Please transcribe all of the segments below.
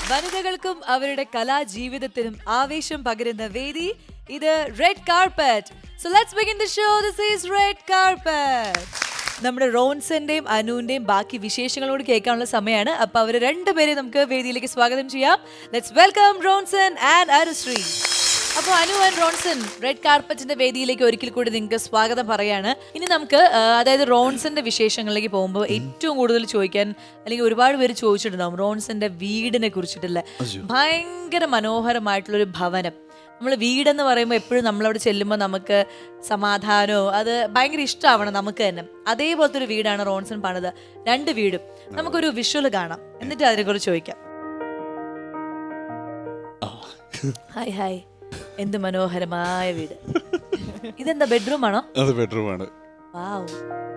വനിതകൾക്കും അവരുടെ കലാജീവിതത്തിനും ആവേശം പകരുന്ന വേദി ഇത് red carpet. So let's begin the show. This is red carpet. നമ്മുടെ റോൺസന്റെയും അനുവിന്റെയും ബാക്കി വിശേഷങ്ങളോട് കേൾക്കാനുള്ള സമയമാണ്. അപ്പൊ അവര് രണ്ടുപേരെയും നമുക്ക് വേദിയിലേക്ക് സ്വാഗതം ചെയ്യാം. Let's welcome Ronson and Anusree. അപ്പോൾ അനു ആൻഡ് റോൺസൺ റെഡ് കാർപ്പറ്റിന്റെ വേദിയിലേക്ക് ഒരിക്കൽ കൂടി നിങ്ങൾക്ക് സ്വാഗതം പറയാണ്. ഇനി നമുക്ക് അതായത് റോൺസന്റെ വിശേഷങ്ങളിലേക്ക് പോകുമ്പോൾ ഏറ്റവും കൂടുതൽ ചോദിക്കാൻ അല്ലെങ്കിൽ ഒരുപാട് പേര് ചോദിച്ചിട്ടുണ്ടാവും റോൺസന്റെ വീടിനെ കുറിച്ചിട്ടുള്ള. ഭയങ്കര മനോഹരമായിട്ടുള്ളൊരു ഭവനം. നമ്മൾ വീടെന്ന് പറയുമ്പോൾ എപ്പോഴും നമ്മളവിടെ ചെല്ലുമ്പോൾ നമുക്ക് സമാധാനവും അത് ഭയങ്കര ഇഷ്ടമാവണം നമുക്ക് തന്നെ. അതേപോലത്തെ ഒരു വീടാണ് റോൺസൺ പണിത്. 2 വീടും. നമുക്കൊരു വിഷ്വൽ കാണാം, എന്നിട്ട് അതിനെക്കുറിച്ച് ചോദിക്കാം. ഹായ് ഹായ്, എന്ത് മനോഹരമായ വീട്. ഇതെന്താ ബെഡ്റൂം ആണോ? അത് ബെഡ്റൂം ആണ്. വാവ്.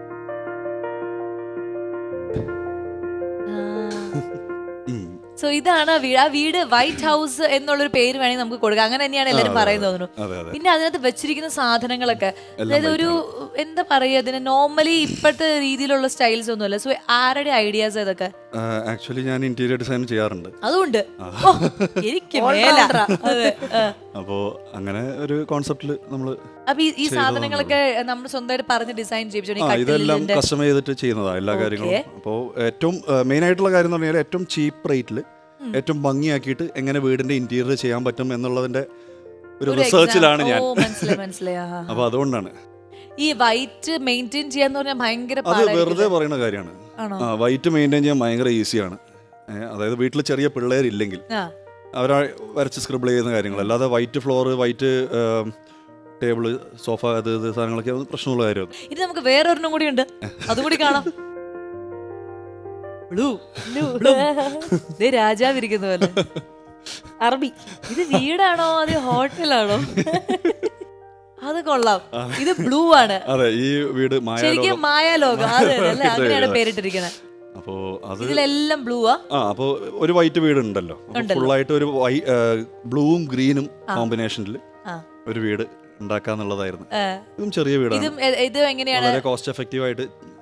സോ ഇതാണ് ആ വീട് വൈറ്റ് ഹൗസ് എന്നുള്ളൊരു പേര് വേണമെങ്കിൽ നമുക്ക് കൊടുക്കാം. അങ്ങനെ തന്നെയാണ് എല്ലാവരും പറയുന്നത് തോന്നുന്നു. പിന്നെ അതിനകത്ത് വെച്ചിരിക്കുന്ന സാധനങ്ങളൊക്കെ അതായത് ഒരു എന്താ പറയുക, അതിന് നോർമലി ഇപ്പോഴത്തെ രീതിയിലുള്ള സ്റ്റൈൽസ് ഒന്നുമല്ല. സോ ആരുടെ ഐഡിയാസ് ഇതൊക്കെ? ആക്ച്വലി ഞാൻ ഇന്റീരിയർ ഡിസൈൻ ചെയ്യാറുണ്ട്. അതുകൊണ്ട് എനിക്ക് അപ്പോ അങ്ങനെ ഒരു കോൺസെപ്റ്റില് നമ്മള് അപ്പൊ ഈ സാധനങ്ങളൊക്കെ നമ്മൾ സ്വന്തമായിട്ട് പറഞ്ഞ് ഡിസൈൻ ചെയ്യിപ്പിച്ചു. ഇതെല്ലാം കസ്റ്റമൈസ് ചെയ്തിട്ട് ചെയ്യുന്നതാ എല്ലാ കാര്യങ്ങളും. അപ്പോ ഏറ്റവും മെയിൻ ആയിട്ടുള്ള കാര്യം എന്ന് പറഞ്ഞാൽ ഏറ്റവും ചീപ്പ് റേറ്റില് ഏറ്റവും ഭംഗിയാക്കിയിട്ട് എങ്ങനെ വീടിന്റെ ഇന്റീരിയർ ചെയ്യാൻ പറ്റും എന്നുള്ളതിന്റെ ഒരു റിസർച്ചിലാണ് ഞാൻ. അപ്പൊ അതുകൊണ്ടാണ് ഈ വൈറ്റ് മെയിൻറ്റെയിൻ ചെയ്യാന്ന് പറഞ്ഞാൽ ഭയങ്കര അത് വെറുതെ പറയുന്ന കാര്യമാണ്. വൈറ്റ് മെയിൻറ്റെയിൻ ചെയ്യാൻ ഭയങ്കര ഈസിയാണ്. അതായത് വീട്ടിൽ ചെറിയ പിള്ളേരില്ലെങ്കിൽ അവരാ വരച്ച് സ്ക്രിബിൾ ചെയ്യുന്ന കാര്യങ്ങൾ. അല്ലാതെ white floor, white table, sofa, അത് സാധനങ്ങളൊക്കെ പ്രശ്നമുള്ള കാര്യമാണ്. ഇത് നമുക്ക് വേറൊരെണ്ണം കൂടി ഉണ്ട്, അതുകൂടി കാണാം. രാജാവിരിക്കുന്ന പോലെ അറബി. ഇത് വീടാണോ അത് ഹോട്ടലാണോ? അത് കൊള്ളാം. ഇത് ബ്ലൂ ആണ്. അതെ, ഈ വീട് ശരിക്കും മായാലോകം. അതെ അല്ലേ, അങ്ങനെയാണ് പേരിട്ടിരിക്കുന്നത്. അപ്പോ അത് ഇതിലെല്ലാം ബ്ലൂ ആ. അപ്പോ ഒരു വൈറ്റ് വീട് ഉണ്ടല്ലോ, ഫുള്ളായിട്ട് ഒരു ബ്ലൂവും ഗ്രീനും കോമ്പിനേഷനിൽ ഒരു വീട് ഉണ്ടാക്കാന്നുള്ളതായിരുന്നു. ഇതും ചെറിയ വീടാണ്. ഇത് എങ്ങനെയാണ് വളരെ കോസ്റ്റ് എഫക്റ്റീവ് ആയിട്ട്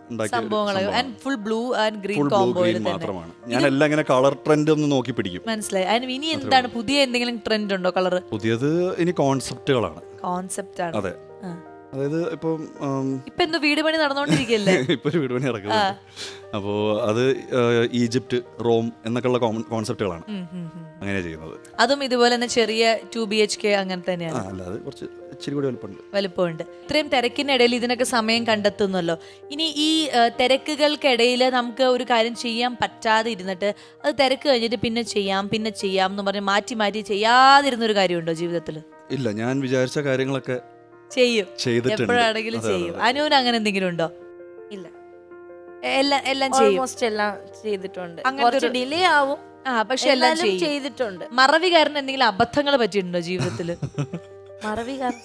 മാത്രമാണ്. ഞാൻ എല്ലാം ഇങ്ങനെ കളർ ട്രെൻഡ് ഒന്ന് നോക്കി പിടിക്കും. മനസ്സിലായി. ഇനി എന്താണ് പുതിയ എന്തെങ്കിലും ട്രെൻഡ് ഉണ്ടോ കളർ? പുതിയത് ഇനി കോൺസെപ്റ്റുകളാണ്. അതെ, അതായത് ഇപ്പൊ എന്തോ വീട് പണി നടന്നുകൊണ്ടിരിക്കുകയല്ലേ? ഇപ്പൊ ഒരു വീട് പണി നടക്കുന്നത്. അപ്പോ അത് ഈജിപ്റ്റ്, റോം എന്നൊക്കെയുള്ള കോൺസെപ്റ്റുകളാണ് അങ്ങനെ ചെയ്യുന്നത്. അതും ഇതുപോലെ തന്നെ ചെറിയ 2 BHK അങ്ങനെ തന്നെയാണ്. അല്ലാതെ കുറച്ച് ഇച്ചിരി കൂടി വലുപ്പമുണ്ട്. ഇത്രയും തിരക്കിനിടയിൽ ഇതിനൊക്കെ സമയം കണ്ടെത്തുന്നല്ലോ. ഇനി ഈ തിരക്കുകൾക്കിടയിൽ നമുക്ക് ഒരു കാര്യം ചെയ്യാൻ പറ്റാതെ ഇരുന്നിട്ട് അത് തിരക്ക് കഴിഞ്ഞിട്ട് പിന്നെ ചെയ്യാം എന്ന് പറഞ്ഞ് മാറ്റി മാറ്റി ചെയ്യാതിരുന്നൊരു കാര്യമുണ്ടോ ജീവിതത്തിൽ? ഇല്ല, ഞാൻ വിചാരിച്ച കാര്യങ്ങളൊക്കെ ചെയ്യും, എപ്പോഴാണെങ്കിലും ചെയ്യും. അനുവിന് അങ്ങനെ എന്തെങ്കിലും ഉണ്ടോ? ഇല്ല, എല്ലാം ചെയ്യും. എല്ലാം ചെയ്തിട്ടുണ്ട്. അങ്ങനെ ഡിലേ ആവും, പക്ഷെ എല്ലാം ചെയ്തിട്ടുണ്ട്. മറവി കാരണം എന്തെങ്കിലും അബദ്ധങ്ങൾ പറ്റിയിട്ടുണ്ടോ ജീവിതത്തില്? മറവി കാരണം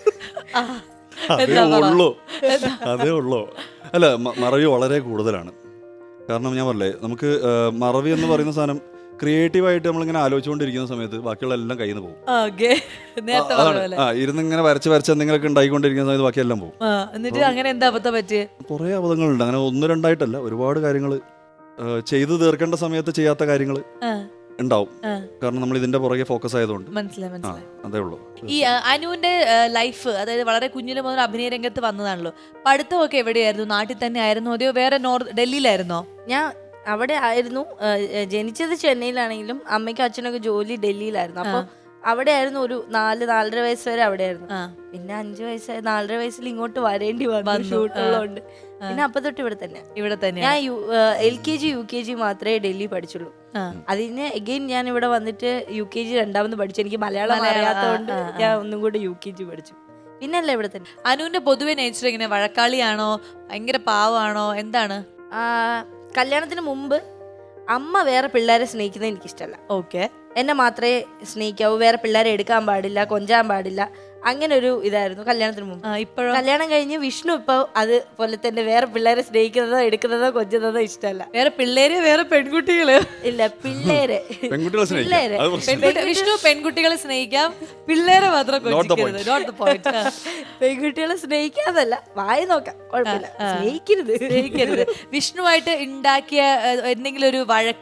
അതേ ഉള്ളൂ. അല്ല, മറവി വളരെ കൂടുതലാണ്. കാരണം ഞാൻ പറഞ്ഞേ, നമുക്ക് മറവി എന്ന് പറയുന്ന സാധനം ക്രിയേറ്റീവായിട്ട് നമ്മളിങ്ങനെ ആലോചിച്ചുകൊണ്ടിരിക്കുന്ന സമയത്ത് ബാക്കിയുള്ള എല്ലാം കയ്യിൽ നിന്ന് പോകും. ഇരുന്നിങ്ങനെ വരച്ച് എന്തെങ്കിലുമൊക്കെ ഉണ്ടായിക്കൊണ്ടിരിക്കുന്ന സമയത്ത് ബാക്കിയെല്ലാം പോകും. എന്നിട്ട് അങ്ങനെ എന്താ അബദ്ധം പറ്റിയ? കുറേ അബദ്ധങ്ങളുണ്ട്. അങ്ങനെ 1-2 ഒരുപാട് കാര്യങ്ങൾ ചെയ്തു തീർക്കേണ്ട സമയത്ത് ചെയ്യാത്ത കാര്യങ്ങൾ ഉണ്ടാവും. കാരണം നമ്മൾ ഇതിന്റെ പുറകെ ഫോക്കസ് ആയതുകൊണ്ട്. മനസ്സിലായി. അതേ ഉള്ളൂ. ഈ അനുവിന്റെ ലൈഫ്, അതായത് വളരെ കുഞ്ഞിലെ മുതൽ അഭിനയ രംഗത്ത് വന്നതാണല്ലോ. പഠിത്തമൊക്കെ എവിടെയായിരുന്നു? നാട്ടിൽ തന്നെ ആയിരുന്നു അതെയോ വേറെ ഡൽഹിയിലായിരുന്നോ? ഞാൻ അവിടെ ആയിരുന്നു. ജനിച്ചത് ചെന്നൈയിലാണെങ്കിലും അമ്മയ്ക്കും അച്ഛനൊക്കെ ജോലി ഡൽഹിയിലായിരുന്നു. അപ്പൊ അവിടെ ആയിരുന്നു ഒരു 4-4.5 വയസ്സ് വരെ അവിടെ ആയിരുന്നു. പിന്നെ 5 വയസ്സായി 4.5 വയസ്സിൽ ഇങ്ങോട്ട് വരേണ്ടി വന്നു ഷൂട്ടുള്ളതുകൊണ്ട്. പിന്നെ അപ്പൊ തൊട്ട് ഇവിടെ തന്നെ. ഞാൻ LKG UKG മാത്രമേ ഡൽഹി പഠിച്ചുള്ളൂ. അതിന് എഗെയിൻ ഞാൻ ഇവിടെ വന്നിട്ട് UKG രണ്ടാമത് പഠിച്ചു. എനിക്ക് മലയാളം അറിയാത്തതുകൊണ്ട് ഞാൻ ഒന്നും കൂടെ UKG പഠിച്ചു. പിന്നല്ല ഇവിടെ തന്നെ. അനുവിന്റെ പൊതുവെ നേച്ചർ ഇങ്ങനെ വഴക്കാളിയാണോ, ഭയങ്കര പാവാണോ, എന്താണ്? കല്യാണത്തിന് മുമ്പ് അമ്മ വേറെ പിള്ളേരെ സ്നേഹിക്കുന്നത് എനിക്കിഷ്ടമല്ല. ഓക്കെ, എന്നെ മാത്രമേ സ്നേഹിക്കാവൂ, വേറെ പിള്ളേരെ എടുക്കാൻ പാടില്ല, കൊഞ്ചാൻ പാടില്ല, അങ്ങനെ ഒരു ഇതായിരുന്നു കല്യാണത്തിന് മുമ്പ്. കല്യാണം കഴിഞ്ഞ് വിഷ്ണു ഇപ്പൊ അതുപോലെ തന്നെ വേറെ പിള്ളേരെ സ്നേഹിക്കുന്നതോ എടുക്കുന്നതോ കൊഞ്ചുന്നതോ ഇഷ്ടമല്ല. വേറെ പിള്ളേര്, വേറെ പെൺകുട്ടികള് ഇല്ല, പിള്ളേരെ വിഷ്ണു പെൺകുട്ടികളെ സ്നേഹിക്കാം, പിള്ളേരെ മാത്രം പെൺകുട്ടികളെ സ്നേഹിക്കാതല്ല, വായി നോക്കാം, കുഴപ്പമില്ല, സ്നേഹിക്കരുത്. വിഷ്ണുവായിട്ട് ഉണ്ടാക്കിയ എന്തെങ്കിലും ഒരു വഴക്ക്,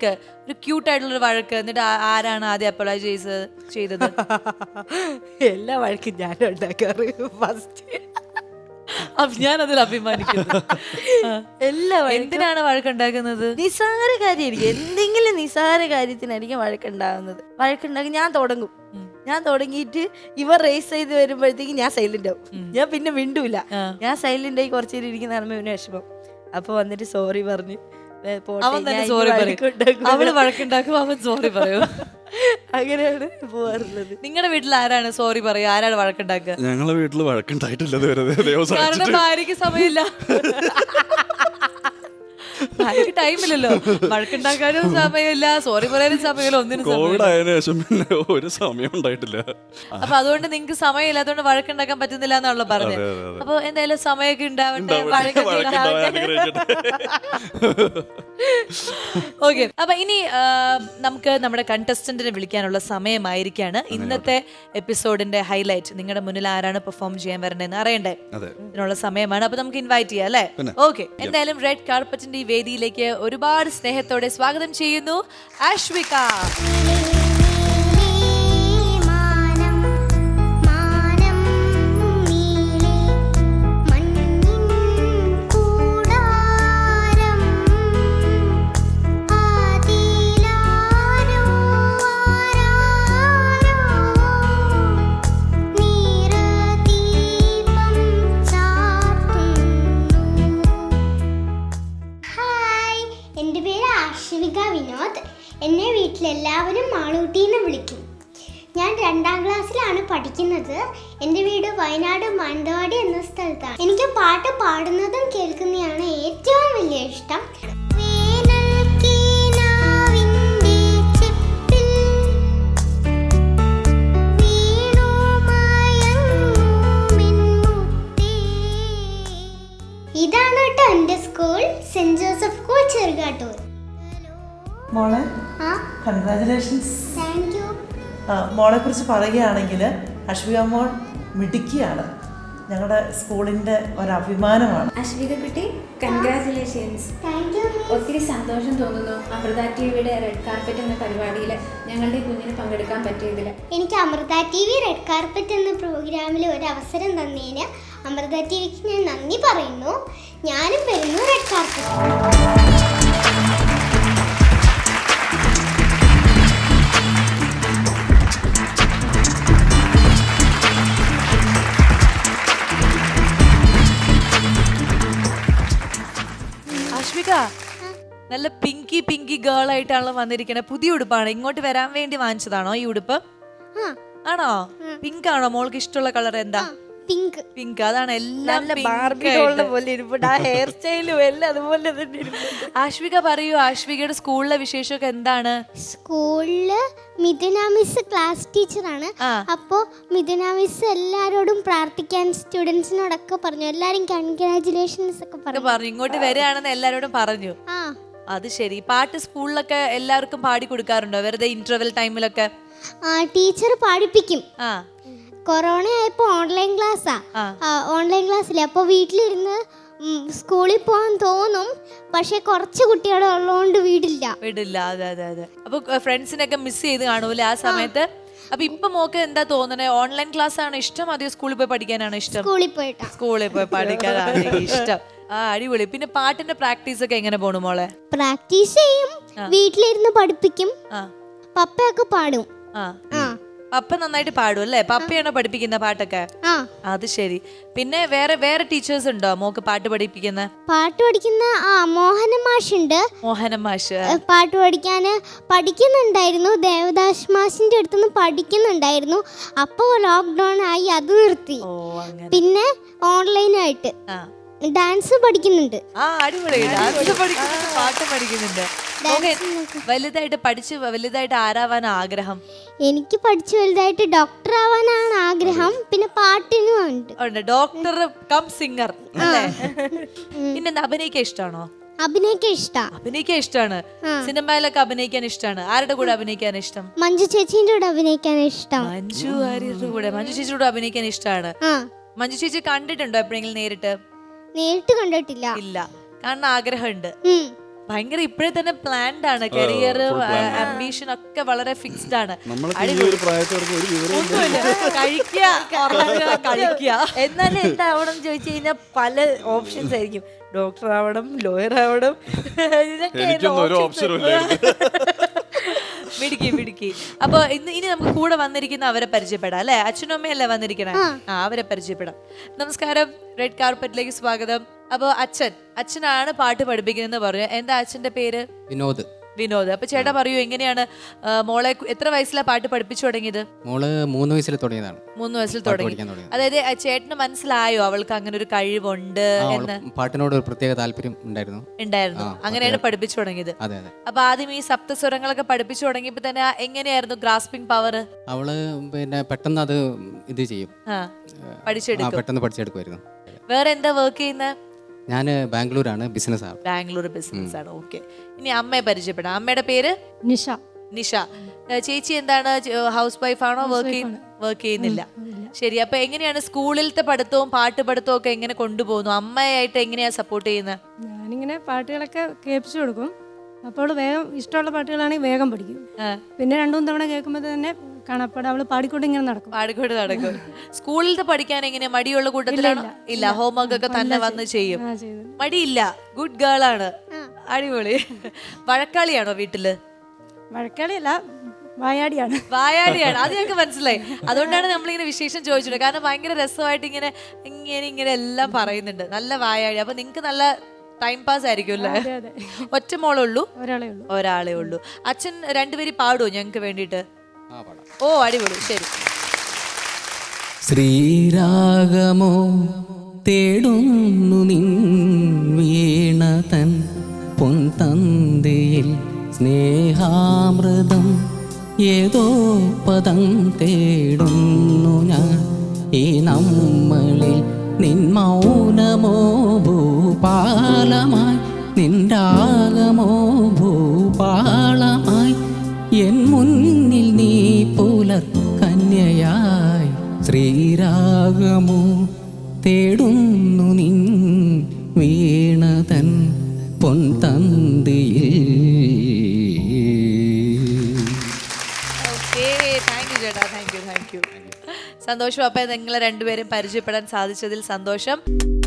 ഒരു ക്യൂട്ട് ആയിട്ടുള്ള ഒരു വഴക്ക്, എന്നിട്ട് ആരാണ് ആദ്യം അപ്പോളൈസ് ചെയ്തത്? എല്ലാ വഴക്കും ഞാനും ഉണ്ടാക്കാറ് ഫസ്റ്റ്. അപ്പൊ ഞാൻ അതിൽ അഭിമാനിക്കുന്നു. എല്ലാ എന്തിനാണ് വഴക്കുണ്ടാക്കുന്നത്? നിസ്സാര കാര്യമായിരിക്കും, എന്തെങ്കിലും നിസ്സാര കാര്യത്തിനായിരിക്കും വഴക്കുണ്ടാകുന്നത്. വഴക്കുണ്ടാക്കി ഞാൻ തുടങ്ങും. ഞാൻ തുടങ്ങിയിട്ട് ഇവർ റേസ് ചെയ്ത് വരുമ്പോഴത്തേക്ക് ഞാൻ സൈലന്റ് ആവും. ഞാൻ പിന്നെ മിണ്ടൂല. ഞാൻ സൈലന്റ് ആയി കുറച്ചു നേരം ഇരിക്കുന്ന കാണുമ്പോൾ ഇവന് വിഷമം. അപ്പൊ വന്നിട്ട് സോറി പറഞ്ഞു അവൻ തന്നെ സോറി പറയും. അവള് വഴക്കുണ്ടാക്കും, അവൻ സോറി പറയും. അങ്ങനെയാണ് പോവാറുള്ളത്. നിങ്ങളുടെ വീട്ടിൽ ആരാണ് സോറി പറയുക, ആരാണ് വഴക്കുണ്ടാക്കുക? ഞങ്ങളെ വീട്ടിൽ വഴക്കുണ്ടായിട്ടില്ല ഇതുവരെ. കാരണം ഭാര്യക്ക് സമയമില്ല, ഭാര്യക്ക് ടൈമില്ലല്ലോ. വഴക്കുണ്ടാക്കാനും സമയമില്ല, സോറി പറയാനും സമയമില്ല, ഒന്നിനും കോവിഡ് ആയതിനു ശേഷം പിന്നെ ഒരു സമയം ഉണ്ടായിട്ടില്ല. അപ്പൊ അതുകൊണ്ട് നിങ്ങക്ക് സമയമില്ലാത്തതുകൊണ്ട് വഴക്കുണ്ടാക്കാൻ പറ്റുന്നില്ല എന്നാണല്ലോ പറഞ്ഞത്. അപ്പൊ എന്തായാലും സമയമൊക്കെ ഉണ്ടാവട്ടെ, ഓക്കെ. അപ്പൊ ഇനി നമുക്ക് നമ്മുടെ കണ്ടസ്റ്റന്റിനെ വിളിക്കാനുള്ള സമയമായിരിക്കാണ്. ഇന്നത്തെ എപ്പിസോഡിന്റെ ഹൈലൈറ്റ്, നിങ്ങളുടെ മുന്നിൽ ആരാണ് പെർഫോം ചെയ്യാൻ വരേണ്ടതെന്ന് അറിയണ്ടേ? ഇതിനുള്ള സമയമാണ്. അപ്പൊ നമുക്ക് ഇൻവൈറ്റ് ചെയ്യാം അല്ലേ? ഓക്കെ. എന്തായാലും റെഡ് കാർപ്പറ്റിന്റെ ഈ വേദിയിലേക്ക് ഒരുപാട് സ്നേഹത്തോടെ സ്വാഗതം ചെയ്യുന്നു ആശ്വിക. എന്നെ വീട്ടിലെല്ലാവരും മാളൂട്ടിന്ന് വിളിക്കും. ഞാൻ 2ാം ക്ലാസ്സിലാണ് പഠിക്കുന്നത്. എൻ്റെ വീട് വയനാട് മാനന്തവാടി എന്ന സ്ഥലത്താണ്. എനിക്ക് പാട്ട് പാടുന്നതും കേൾക്കുന്നതാണ് ഏറ്റവും വലിയ ഇഷ്ടം. ഇതാണ് കേട്ടോ എൻ്റെ school, saint Joseph school Cherukattoor. മോളെ കൺഗ്രാജുലേഷൻസ്. Thank you. മോളെ കുറിച്ച് പറയുകയാണെങ്കിൽ അശ്വിക മോൾ മിടുക്കിയാണ്, ഞങ്ങളുടെ സ്കൂളിൻ്റെ ഒരഭിമാനമാണ്. അശ്വിക കുട്ടി, കൺഗ്രാജുലേഷൻസ്. Thank you. ഒത്തിരി സന്തോഷം തോന്നുന്നു അമൃത ടിവിയുടെ റെഡ് കാർപ്പറ്റ് എന്ന പരിപാടിയിൽ ഞങ്ങളുടെ കുഞ്ഞിന് പങ്കെടുക്കാൻ പറ്റിയതിൽ. എനിക്ക് Amrita T V red carpet എന്ന പ്രോഗ്രാമിൽ ഒരു അവസരം തന്നതിന് അമൃത ടി വിക്ക് ഞാൻ നന്ദി പറയുന്നു. ഞാനും വരുന്നു റെഡ് കാർപ്പറ്റ്. നല്ല പിങ്കി പിങ്കി ഗേൾ ആയിട്ടാണല്ലോ വന്നിരിക്കണേ. പുതിയ ഉടുപ്പാണ്, ഇങ്ങോട്ട് വരാൻ വേണ്ടി വാങ്ങിച്ചതാണോ ഈ ഉടുപ്പ്? ആണോ? പിങ്ക് ആണോ മോൾക്ക് ഇഷ്ടമുള്ള കളർ? എന്താ? പിങ്ക്. പിങ്ക്, അതാണ് എല്ലാം ഹെയർ സ്റ്റൈലും എല്ലാം അതുപോലെ തന്നെ. ആശ്വിക പറയൂ, ആശ്വികയുടെ സ്കൂളിലെ വിശേഷമൊക്കെ എന്താണ്? സ്കൂളില് മിഥുന മിസ് ക്ലാസ് ടീച്ചറാണ്. അപ്പോ മിഥുന മിസ് എല്ലാരോടും പ്രാർത്ഥിക്കാൻ സ്റ്റുഡൻസിനോടൊക്കെ പറഞ്ഞു. എല്ലാരും കൺഗ്രാജുലേഷൻസ് ഒക്കെ പറഞ്ഞു. ഇങ്ങോട്ട് വരികയാണെന്ന് എല്ലാരോടും പറഞ്ഞു. അത് ശരി. പാട്ട് സ്കൂളിലൊക്കെ എല്ലാവർക്കും പാടി കൊടുക്കാറുണ്ടോ വെറുതെ ഇന്റർവെൽ ടൈമിലൊക്കെ? ടീച്ചർ പാടിപ്പിക്കും. കൊറോണ ആയപ്പോ ഓൺലൈൻ ക്ലാസ്സാ. ഓൺലൈൻ ക്ലാസ്സിലെ അപ്പൊ വീട്ടിലിരുന്ന് സ്കൂളിൽ പോകാൻ തോന്നും, പക്ഷെ കുറച്ച് കുട്ടികളെ ഉള്ളതുകൊണ്ട് വിടില്ല. അതെ അതെ അതെ. അപ്പൊ ഫ്രണ്ട്സിനൊക്കെ മിസ് ചെയ്ത് കാണൂല്ലേ ആ സമയത്ത്? അപ്പൊ ഇപ്പൊ മോക്ക് എന്താ തോന്നണേ, ഓൺലൈൻ ക്ലാസ് ആണ് ഇഷ്ടം അതോ സ്കൂളിൽ പോയി പഠിക്കാനാണ് ഇഷ്ടം? സ്കൂളിൽ പോയി പഠിക്കാനാണ് ഇഷ്ടം. അടിപൊളി. പിന്നെ പാട്ടിന്റെ പ്രാക്ടീസ് ഒക്കെ എങ്ങനെ പോണു മോളെ? പ്രാക്ടീസ് ചെയ്യും, വീട്ടിലിരുന്ന് പഠിപ്പിക്കും. പപ്പയൊക്കെ പാടും. പപ്പ നന്നായിട്ട് പാടും അല്ലേ? പപ്പയാണോ പഠിപ്പിക്കുന്ന പാട്ടൊക്കെ? അത് ശരി. പിന്നെ വേറെ ടീച്ചേഴ്സ് ഉണ്ടോ മോക്ക് പാട്ട് പഠിപ്പിക്കുന്ന? പാട്ട് പഠിക്കുന്ന മോഹന മാഷുണ്ട്. മോഹന മാഷ് പാട്ട് പഠിക്കുന്നുണ്ടായിരുന്നു. ദേവദാസ് മാഷിന്റെ അടുത്തുനിന്ന് പഠിക്കുന്നുണ്ടായിരുന്നു. അപ്പോ ലോക്ക്ഡൌൺ ആയി, അത് നിർത്തി. പിന്നെ ഓൺലൈനായിട്ട് ഡാൻസ് പഠിക്കുന്നുണ്ട്. അടിപൊളി. ഡാൻസ് പഠിക്കുന്നുണ്ട്, പാട്ട് പഠിക്കുന്നുണ്ട്. വലുതായിട്ട് ആരാവാൻ ആഗ്രഹം? എനിക്ക് പഠിച്ചു വലുതായിട്ട് ഡോക്ടർ ആവാനാണ് ആഗ്രഹം. പിന്നെ പാട്ടിനും ഉണ്ട്. ഡോക്ടർ കം സിംഗർ അല്ലേ? പിന്നെ അഭിനയിക്കാൻ ഇഷ്ടമാണോ? അഭിനയിക്കാൻ ഇഷ്ടമാണ്. സിനിമയിലൊക്കെ അഭിനയിക്കാൻ ഇഷ്ടമാണ്. ആരുടെ കൂടെ അഭിനയിക്കാൻ ഇഷ്ടം? മഞ്ജു ചേച്ചിയുടെ കൂടെ അഭിനയിക്കാൻ ഇഷ്ടം. മഞ്ജു ചേച്ചിയുടെ അഭിനയിക്കാൻ ഇഷ്ടമാണ്. മഞ്ജു ചേച്ചി കണ്ടിട്ടുണ്ടോ എപ്പോഴെങ്കിലും നേരിട്ട്? നേരിട്ട് കണ്ടിട്ടില്ല. ഇല്ല, കാണാൻ ആഗ്രഹമുണ്ട്. ഭയങ്കര ഇപ്പോഴേ തന്നെ പ്ലാൻഡ് ആണ്, കരിയർ ആംബിഷൻ ഒക്കെ വളരെ ഫിക്സ്ഡ് ആണ്. നമ്മളൊക്കെ ഈ ഒരു പ്രായത്തോടൊപ്പം ഒരു വിവരവും കഴിക്കുക, ഉറങ്ങുക, കളിക്കുക. എന്നാലും എന്താവണം ചോദിച്ചു കഴിഞ്ഞാൽ പല ഓപ്ഷൻസ് ആയിരിക്കും. ഡോക്ടർ ആവണം, ലോയർ ആവണം, എനിക്കൊന്നും ഒരു ഓപ്ഷനും ഇല്ലായിരുന്നു. മിടുക്കി. അപ്പൊ ഇനി നമുക്ക് കൂടെ വന്നിരിക്കുന്ന അവരെ പരിചയപ്പെടാം അല്ലെ? അച്ഛനും അമ്മയല്ലേ വന്നിരിക്കണേ? അവരെ പരിചയപ്പെടാം. നമസ്കാരം, റെഡ് കാർപ്പറ്റിലേക്ക് സ്വാഗതം. അപ്പൊ അച്ഛനാണ് പാട്ട് പഠിപ്പിക്കുന്നതെന്ന് പറഞ്ഞു. എന്താ അച്ഛന്റെ പേര്? വിനോദ്. അപ്പൊ ചേട്ടാ പറയൂ, എങ്ങനെയാണ് മോളെ എത്ര വയസ്സിലാണ് പാട്ട് പഠിപ്പിച്ചു തുടങ്ങിയത്? മോള് 3 വയസ്സിൽ തുടങ്ങിയതാണ്. 3 വയസ്സിൽ തുടങ്ങി. അതായത് ചേട്ടന് മനസ്സിലായോ അവൾക്ക് അങ്ങനെ ഒരു കഴിവുണ്ട് എന്ന്? പാട്ടിനോട് ഒരു പ്രത്യേക താല്പര്യം ഉണ്ടായിരുന്നു. അങ്ങനെയാണ് പഠിപ്പിച്ചു തുടങ്ങിയത്. അതെ. അപ്പൊ ആദ്യം ഈ സപ്തസ്വരങ്ങളൊക്കെ പഠിപ്പിച്ചു തുടങ്ങിയപ്പോ തന്നെ എങ്ങനെയായിരുന്നു ഗ്രാസ്പിംഗ് പവർ? അവള് പിന്നെ പെട്ടെന്ന് അത് ഇത് ചെയ്യും, പെട്ടെന്ന് പഠിച്ചെടുക്കുമായിരുന്നു. വേറെ എന്താ വർക്ക് ചെയ്യുന്നത്? ഞാൻ ബാംഗ്ലൂരാണ്, ബിസിനസ് ആണ്. ബാംഗ്ലൂർ ബിസിനസ് ആണ്. ഓക്കെ. ഇനി അമ്മയെ പരിചയപ്പെടാം. അമ്മയുടെ പേര്? നിഷ. ചേച്ചി എന്താണ്, ഹൗസ് വൈഫ് ആണോ? വർക്ക് ചെയ്യുന്നില്ല. ശരി. അപ്പൊ എങ്ങനെയാണ് സ്കൂളിലത്തെ പഠിത്തവും പാട്ട് പഠിത്തവും ഒക്കെ എങ്ങനെ കൊണ്ടുപോകുന്നു? അമ്മയായിട്ട് എങ്ങനെയാ സപ്പോർട്ട് ചെയ്യുന്നത്? ഞാനിങ്ങനെ പാട്ടുകളൊക്കെ കേൾപ്പിച്ചു കൊടുക്കും. അപ്പോൾ വേഗം ഇഷ്ടമുള്ള പാട്ടുകളാണെങ്കിൽ വേഗം പഠിക്കും. പിന്നെ 2-3 തവണ കേൾക്കുമ്പോൾ തന്നെ കാണാപ്പാട് അവള് പാടിക്കൊണ്ട് ഇങ്ങനെ നടക്കും. സ്കൂളിലത്തെ പഠിക്കാൻ എങ്ങനെയാ, മടിയുള്ള കൂട്ടത്തിലാണോ? ഇല്ല, ഹോംവർക്ക് ഒക്കെ തന്നെ വന്ന് ചെയ്യും. മടിയില്ല, ഗുഡ് ഗേൾ ആണ്. അടിപൊളി. വഴക്കാളിയാണോ വീട്ടില്? വഴക്കാളിയല്ല, വായാടിയാണ്. അത് ഞങ്ങൾക്ക് മനസ്സിലായി. അതുകൊണ്ടാണ് നമ്മളിങ്ങനെ വിശേഷം ചോദിച്ചത്. കാരണം ഭയങ്കര രസമായിട്ട് ഇങ്ങനെ എല്ലാം പറയുന്നുണ്ട്. നല്ല വായാടി. അപ്പൊ നിങ്ങക്ക് നല്ല ടൈം പാസ് ആയിരിക്കും അല്ലേ? ഒറ്റ മോളുള്ളൂ? ഒരാളേ ഉള്ളൂ. അച്ഛൻ 2 പേര് പാടുവോ ഞങ്ങക്ക് വേണ്ടിട്ട്? ഓ, അടിപൊളി. ശരി. ശ്രീരാഗമോ തേടുന്നു നിൻ വീണതൻ പൊൻതന്തിയിൽ സ്നേഹാമൃതം ഏതോ പദം തേടുന്നു ഞാൻ ഈ നമ്മളിൽ. നിൻ മൗനമോ ഭൂപാലമായി, നിൻ രാഗമോ ഭൂപാളമായി, എൻ മുന്നിൽ നീ പുലർ കന്യയായി. ശ്രീരാഗമോ തേടുന്നു നിൻ വീണതൻ പൊൻതന്തിയിൽ. Thank you. സന്തോഷം. അപ്പൊ നിങ്ങളെ 2 പേരും പരിചയപ്പെടാൻ സാധിച്ചതിൽ സന്തോഷം.